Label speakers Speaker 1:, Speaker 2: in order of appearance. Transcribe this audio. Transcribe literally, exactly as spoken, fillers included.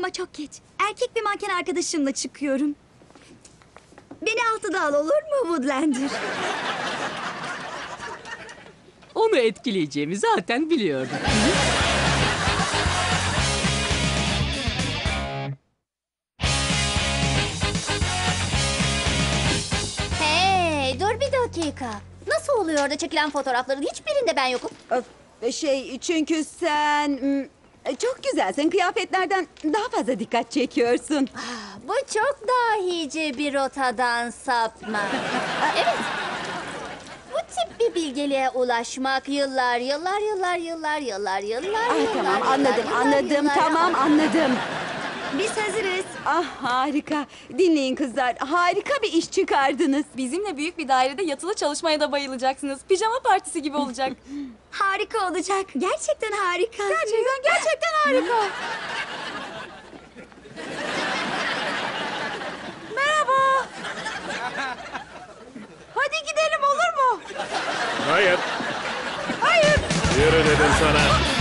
Speaker 1: ama çok geç. Erkek bir manken arkadaşımla çıkıyorum. Beni altıda al, olur mu Woodlander?
Speaker 2: Onu etkileyeceğimi zaten biliyordum.
Speaker 3: Hey, dur bir dakika. Nasıl oluyor da çekilen fotoğrafların hiçbirinde ben yokum?
Speaker 4: Öf, Şey çünkü sen mm, çok güzelsin. Kıyafetlerden daha fazla dikkat çekiyorsun.
Speaker 3: Bu çok dahice bir rotadan sapma. Evet. Bu tip bir bilgeliğe ulaşmak yıllar, yıllar, yıllar, yıllar, yıllar, yıllar,
Speaker 4: Ah,
Speaker 3: yıllar,
Speaker 4: tamam
Speaker 3: yıllar,
Speaker 4: anladım
Speaker 3: yıllar,
Speaker 4: anladım
Speaker 3: yıllar-
Speaker 4: tamam anladım.
Speaker 1: Biz hazırız.
Speaker 4: Ah harika. Dinleyin kızlar. Harika bir iş çıkardınız.
Speaker 5: Bizimle büyük bir dairede yatılı çalışmaya da bayılacaksınız. Pijama partisi gibi olacak.
Speaker 1: Harika olacak. Gerçekten harika.
Speaker 4: Gerçekten gerçekten harika. Merhaba. Hadi gidelim olur mu?
Speaker 6: Hayır.
Speaker 4: Hayır.
Speaker 6: Yürü dedim sana.